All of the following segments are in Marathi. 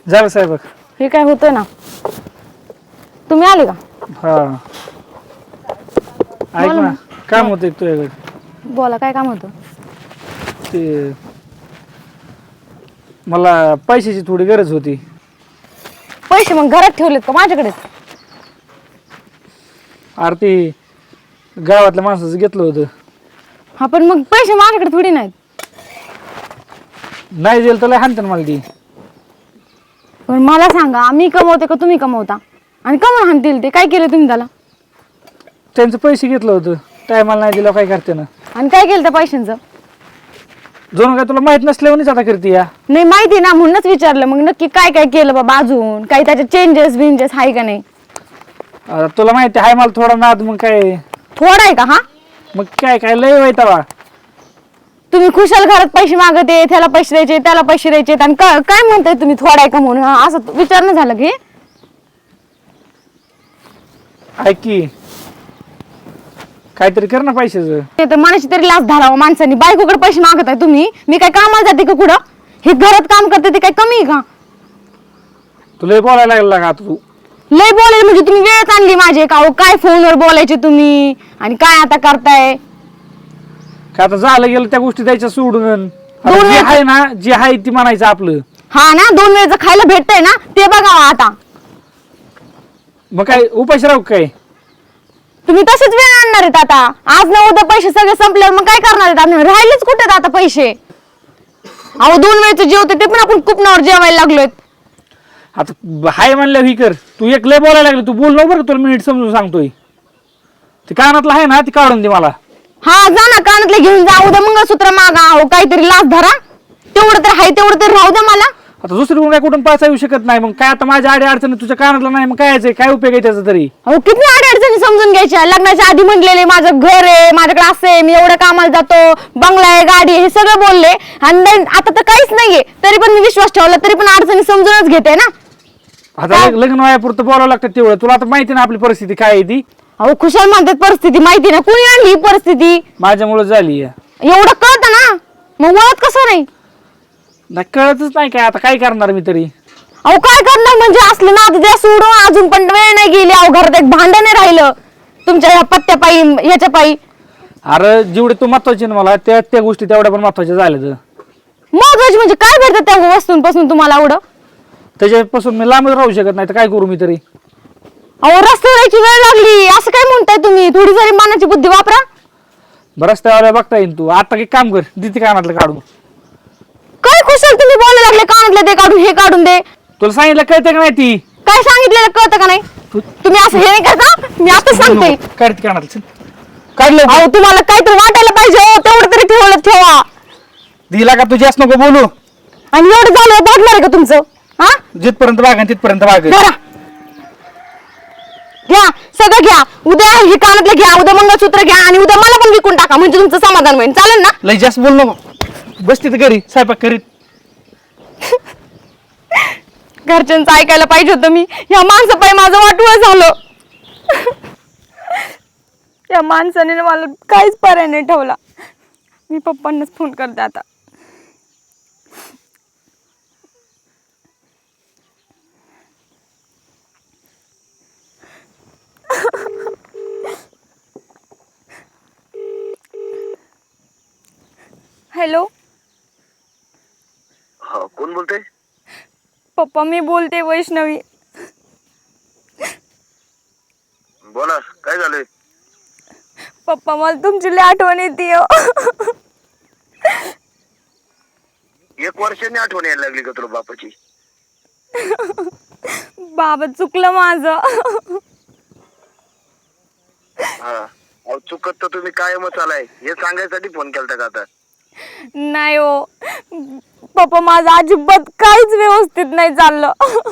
झालं साहेब. हे काय होतंय ना. तुम्ही आले का? हा ऐक ना, काम होतं तुझ्याकडे. बोला, काय काम होतं? ते मला पैशाची थोडी गरज होती. पैसे मग घरात ठेवलेत का माझ्याकडे? अरे ते गावातल्या माणसाचं घेतलं होतं. हा पण मग पैसे माझ्याकडे थोडी नाहीत. नाही दिलं तर लय हाणतात मला ती. पण मला सांगा, मी कमवते का तुम्ही कमवता? आणि कमवून हाणतील ते? काय केलं तुम्ही त्याला? त्यांचं पैसे घेतलं होतं, टायमाला नाही दिलं काय करते ना. आणि काय केलं त्या पैशांचं? जणू काय तुला माहित नसल्यावरच आता करते या. नाही माहिती ना, म्हणूनच विचारलं. मग नक्की काय काय केलं बाबा? अजून काही त्याचे चेंजेस बिंजेस आहे का नाही? आता तुला माहिती आहे मला थोडा नाद, मग काय थोडा आहे का? हा मग काय काय लय वाईटावा. तुम्ही खुशाल घरात पैसे मागते, त्याला पैसे द्यायचे, त्याला पैसे द्यायचे, आणि काय म्हणताय तुम्ही थोडा आहे का म्हणून? असं विचारणं झालं की ऐक की, काहीतरी कर ना पैशाचं. ते तर मनाची तरी लाच धरावं माणसांनी. बायकोकडे पैसे मागत आहे तुम्ही. मी काय कामाला जाते का कुठं? हे घरात काम करते ते काय कमी आहे का? तुला बोलायला लागला का आता तू? लय बोलायला म्हणजे तुम्ही वेळच आणली माझे का? अहो, काय फोनवर बोलायचे तुम्ही आणि काय आता करताय? काय आता झालं गेलं त्या गोष्टी द्यायच्या सोडून. आता दोन जे वेळचं- आहे ना, जे आहे ती म्हणायचं आपलं. हा ना, 2 वेळचं खायला भेटतंय ना, ते बघावं आता. मग काय उपाशी राहू काय? तुम्ही तसेच वेळ आणणार आहेत आता. आज ना उद्या पैसे सगळे संपल्यावर मग काय करणार आहेत? आम्ही राहिलेच कुठे आता पैसे? अहो 2 वेळचं जेवते ते पण आपण कुपनावर जेवायला लागलोय. आता हाय म्हणलं ही कर. तू एक लय बोलायला लागली, तू बोल ना बरं, तुला मिनिट समजून सांगतोय. ते कानातलं आहे ना, ती काढून दे मला. हा जा ना, कानातले घेऊन जा. उद्या मंगळसूत्र मागा. अहो काहीतरी लाच धरा. तेवढं तर हाय, तेवढं तर राहू द्या मला. आता दुसरी काय कुठून पैसा येऊ शकत नाही. मग काय आता माझ्या आडी अडचणी तुझ्या कानातला नाही, मग काय यायचंय? काय उपयोग आहे त्याचा तरी? अहो किती अडचणी समजून घ्यायच्या. लग्नाच्या आधी म्हणलेले माझं घर आहे, माझ्याकडे असं आहे, मी एवढं कामाला जातो, बंगला आहे, गाडी आहे, हे सगळं बोलले. आणि आता तर काहीच नाहीये, तरी पण मी विश्वास ठेवला, तरी पण अडचणी समजूनच घेते ना. आता लग्न वयापुरतं बोलावं लागतं तेवढं. तुला आता माहिती ना आपली परिस्थिती काय आहे ती. अहो खुशाल म्हणतात परिस्थिती माहिती ना. कुणी आणली ही परिस्थिती? माझ्यामुळे झाली आहे. एवढं कळतं ना, मग वळत कसं नाही? नाही कळतच नाही काय, आता काय करणार मी तरी. अहो काय करणार म्हणजे? असलं ना द्या सोडून. अजून पण वेळ नाही गेली. अहो घरात एक भांडण नाही राहिलं तुमच्या ह्या पत्त्या पायी, ह्याच्या पायी. अरे जेवढे तू महत्वाचे ना मला, त्या गोष्टी तेवढ्या पण महत्वाच्या झाल्या. महत्वाची म्हणजे काय भेटतं त्या वस्तूंपासून तुम्हाला एवढं? त्याच्यापासून मी लांबच राहू शकत नाही, तर काय करू मी तरी? अहो रस्त्याची वेळ लागली असं काय म्हणताय तुम्ही? थोडी जरी मनाची बुद्धी वापरा. बरं रस्त्यावर बघता येईल. तू आता एक काम कर, दिती कानातलं काढून. काय खुशाल तुम्ही बोलायला लागले? कानातलं ते काढून, हे काढून दे. तुला सांगितलं कळतं का नाही ती? काय सांगितलेलं कळतं का नाही? तुम्ही असं हे नाही करता. मी आता सांगते. काढते कानातलं, काढलं. अहो तुम्हाला काहीतरी वाटायला पाहिजे. हो तेवढं तरी ठेवा. दिला का तू? जास्त नको बोलू. आणि एवढं झालं भागणार आहे का तुमचं? हा जिथपर्यंत बाग तिथपर्यंत बाग. धरा. घ्या सगळं घ्या. उद्या हे कानातलं घ्या, उद्या मंगळसूत्र घ्या, आणि उद्या मला पण विकून टाका, म्हणजे तुमचं समाधान होईल. चालेल ना? लय जास्त बोल नको. बस तिथं घरी स्वयंपाक करीत. घरच्यांचं ऐकायला पाहिजे होतं मी. या माणसापायी माझं वाटवं झालं. या माणसाने मला काहीच पर्याय नाही ठेवला. मी पप्पांनाच फोन करते आता. हॅलो हा, कोण बोलतंय? पप्पा, मी बोलते वैष्णवी. बोला, काय झालंय? पप्पा मला तुमची लई आठवण येते. 1 वर्षांनी आठवण यायला लागली का तुला बापाची? बाबा चुकलं माझं. हा, अहो चुकत तर तुम्ही कायमच आलाय, हे सांगायसाठी फोन केलता का आता? नाही हो पप्पा, माझं अजिबात काहीच व्यवस्थित नाही चाललं.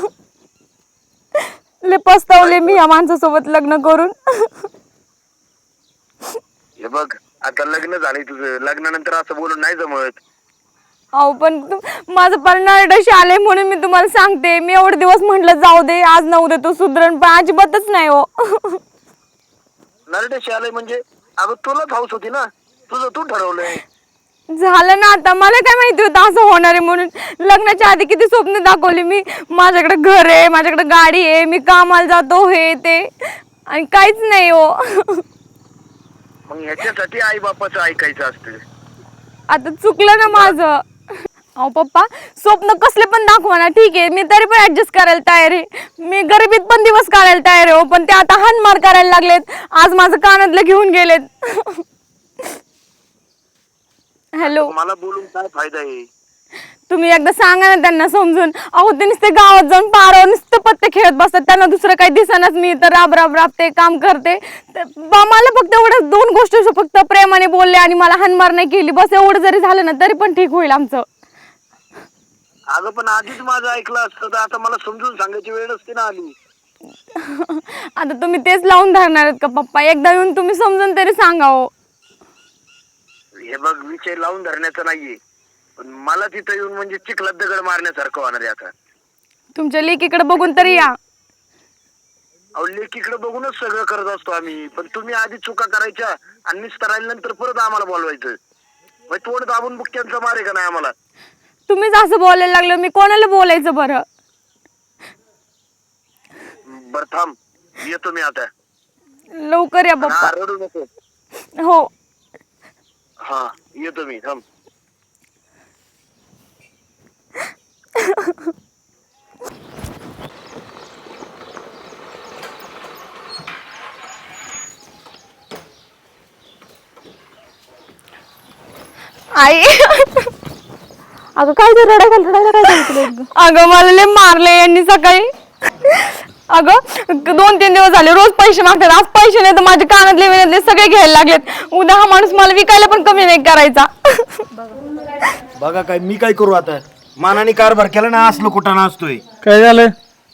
लय पस्तावले मी या माणसासोबत लग्न करून. हे बघ, आता लग्न झालंय तुझं, लग्नानंतर असं बोलून नाही जमत. अहो पण माझं परिणाशी आलंय म्हणून मी तुम्हाला सांगते. मी एवढे दिवस म्हटलं जाऊ दे, आज न उद्या तो सुधरण, पण अजिबातच नाही हो. नरडेशी आलंय म्हणजे? अगं तुलाच हाऊस होती ना, तुझं तू ठरवलंय. झालं ना आता, मला काय माहिती होतं असं होणार आहे म्हणून. लग्नाच्या आधी किती स्वप्न दाखवली मी, माझ्याकडे घर आहे, माझ्याकडे गाडी आहे, मी कामाला जातो, हे ते, आणि काहीच नाही हो. मग ह्याच्यासाठी आई बापाचं ऐकायचं असतं. आता चुकलं ना माझं. अहो पप्पा, स्वप्न कसले पण दाखवा ना, ठीक आहे, मी तरी पण ऍडजस्ट करायला तयार आहे. मी गरिबीत पण दिवस काढायला तयार आहे हो, पण ते आता हानमार करायला लागलेत. आज माझं कानातलं घेऊन गेलेत. हॅलो, मला बोलून काय फायदा आहे? तुम्ही एकदा सांगा ना त्यांना समजून. अहो ते नुसते गावात जाऊन पारावर नुसतं पत्ते खेळत बसतात, त्यांना दुसरं काही दिसनाच. मी तर राब राब राबते, काम करते. मला फक्त एवढं 2 गोष्टी फक्त प्रेमाने बोलले आणि मला हानमार नाही केली, बस एवढं जरी झालं ना तरी पण ठीक होईल आमचं. अगं पण आधीच माझं ऐकलं असतं तर आता मला समजून सांगायची वेळ नसती ना आली. आता तुम्ही तेच लावून धरणार आहेत का पप्पा? एकदा येऊन तुम्ही समजून तरी सांगा हो. हे बघ, विषय लावून धरण्याचं नाहीये, पण मला तिथं येऊन म्हणजे चिखलात दगड मारण्यासारखं होणार आहे आता. तुमच्या लेकीकडे बघून तरी या. अहो लेकीकडे बघूनच सगळं करत असतो आम्ही, पण तुम्ही आधी चुका करायच्या आणि निस्तरायल्यानंतर परत आम्हाला बोलवायचं. मग तोंड दाबून बुक्क्यांचा मारे का नाही आम्हाला? तुम्हीच असं बोलायला लागलं, मी कोणाला बोलायचं बरं? बरं थांब, येतो मी आता. लवकर या हा, पप्पा. रडू नको. हो. हा, येतो मी, थांब. आई, अगं काय ते रडायला काय सांगितलं? अगं मला लय मारले यांनी सकाळी. अगं 2-3 दिवस झाले रोज पैसे मागतात. आज पैसे नाही तर माझे कानातले विनातले सगळे घ्यायला लागलेत. उद्या हा माणूस मला विकायला पण कमी नाही करायचा. बघा काय मी काय करू आता? मानाने कारभार केला ना, असलो कुठं असतोय. काय झालं?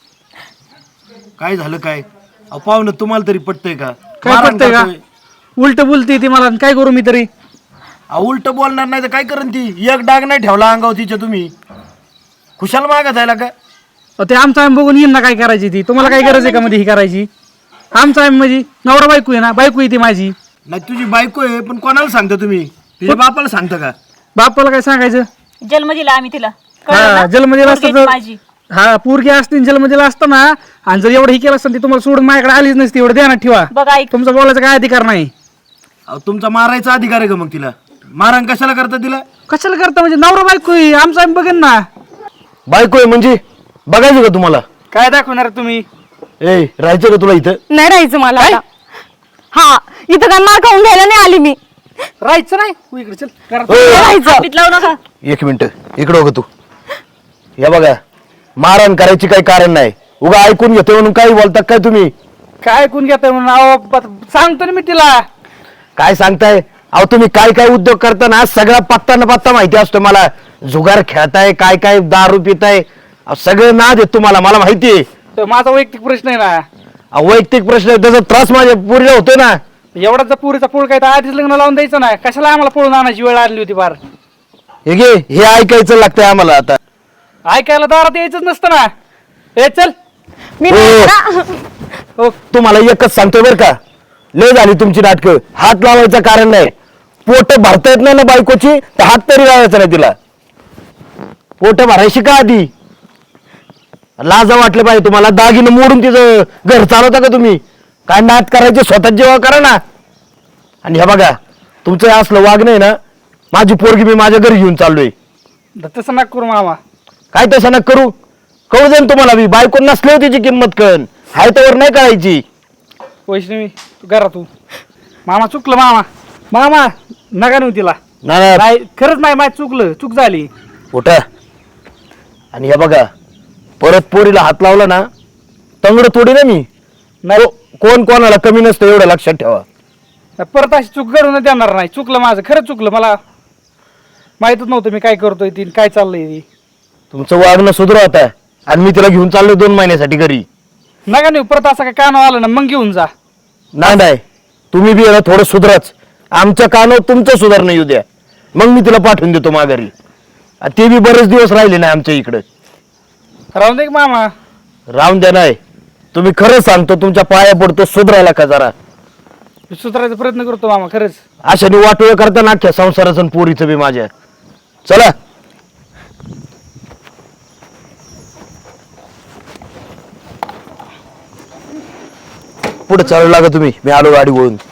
काय झालं काय? अहो पाहुणं तुम्हाला तरी पटतंय का? काय मारण पटतंय का? करतोय. उलट बोलते ती मला, काय करू मी तरी? अहो उलट बोलणार नाही तर काय करण ती? एक डाग नाही ठेवला अंगावर तिच्या तुम्ही. खुशाल मागा जायला का? ते आमचा आम्ही बघून येईन ना काय करायची ती. तुम्हाला काय गरज आहे का मध्ये ही करायची? आमचा आम्ही म्हणजे नवरा बायको आहे ना, बायको आहे ती माझी. नाही तुझी बायको आहे, पण कोणाला सांगता तुम्ही? तुझ्या बापाला सांगता का? बापाला काय सांगायचं? जन्म दिला आम्ही तिला. हा, जन्म दिला असता तर माझी हा पोरगी असते जन्म दिला असता ना, आणि जर एवढं ही केलं असतं ती तुम्हाला सोडून माझ्याकडे आलीच नसती. एवढं ध्यानात ठेवा. बघा ऐक, तुमचा बोलायचा काय अधिकार नाही. अहो तुमचा मारायचा अधिकार आहे का मग तिला? मारण कशाला करता तिला? कशाला करता म्हणजे? नवरा बायको आहे, आमचा आम्ही बघेन ना. बायको आहे म्हणजे बघायचं का तुम्हाला? काय दाखवणार तुम्ही? ए राहायचं का तुला इथं? नाही राहायचं मला आता. हा, इथं काय मार खाऊन घ्यायला नाही आली मी. राहायचं नाही तू इकडे चल घरात. नाही राहायचं. पीठ लावू नका. एक मिनिट इकडं बघ तू. या बघा, मारण करायची काही कारण नाही. उगा ऐकून घेतोय म्हणून काही बोलता काय तुम्ही? काय ऐकून घेताय म्हणून? अहो सांगतो ना मी तिला. काय सांगताय? अहो तुम्ही काय काय उद्योग करताना सगळा पत्ता न पत्ता माहिती असतो मला. जुगार खेळताय, काय काय दारू पिताय, सगळं नाद आहे तुम्हाला, मला माहिती आहे. तर माझा वैयक्तिक प्रश्न आहे ना. वैयक्तिक प्रश्न आहे, त्याचा त्रास माझ्या पुरीला होतोय ना. एवढाच जर पुरीचा पोळ काय तर आधीच लग्न लावून द्यायचं ना. कशाला आम्हाला पळून आणायची वेळ आणली होती फार? हे घे, हे ऐकायचं लागतंय आम्हाला आता. ऐकायला दारात यायचंच नसतं ना. ए चल. मी हो. नाही ना. हो, तुम्हाला एकच सांगतोय बरं का, लय झाली तुमची नाटकं. हात लावायचं कारण नाही. पोट भरता येत नाही ना बायकोची, तर हात तरी लावायचा नाही तिला. पोट भरायची का आधी? लाजा वाटलं पाहिजे तुम्हाला. दागिनं मोडून तिचं घर चालवता का तुम्ही? काय नाट करायचे स्वतः जेव्हा करा ना. आणि हे बघा, तुमचं हे असलं वागणं आहे ना, माझी पोरगी मी माझ्या घरी घेऊन चाललोय. तसं नका करू मामा. काय तसं नका करू? कळू दे ना तुम्हाला, मी बायको नसले तिची किंमत कळण. हाय त्यावर नाही करायची. वैष्णवी तू घरात तू. मामा चुकलं मामा. मामा नका नेऊ तिला. नाही नाही खरंच नाही, माझं चुकलं, चूक झाली. उठा. आणि हे बघा, परत पोरीला हात लावला ना, तंगड तोडी ना मी. नाही कोण कोणाला कमी नसतं एवढं लक्षात ठेवा. परत अशी चूक घडून देणार नाही. चुकलं माझं, खरंच चुकलं. मला माहितच नव्हतं मी काय करतोय ती काय चाललंय ती. तुमचं वागणं सुधरा आता. आणि मी तिला घेऊन चाललोय 2 महिन्यासाठी घरी. नका नेऊ परत. असं काय कानावर आलं ना मग घेऊन जा. नाही तुम्ही बी याला थोडं सुधराच. आमच्या कानावर तुमचं सुधारणं येऊ द्या, मग मी तिला पाठवून देतो माघारी. ते बी बरेच दिवस राहिले नाही आमच्या इकडे. राहून दे की मामा. राहून द्या नाही. तुम्ही खरं सांगतो, तुमच्या पाया पडतो, सुधरायला का जरा. सुधारायचा प्रयत्न करतो मामा खरंच. अशाने वाटोळ करता ना अख्ख्या संसाराचं आणि पोरीचं बी माझ्या. चला पुढे चालू लागा तुम्ही, मी आलो गाडी वळून.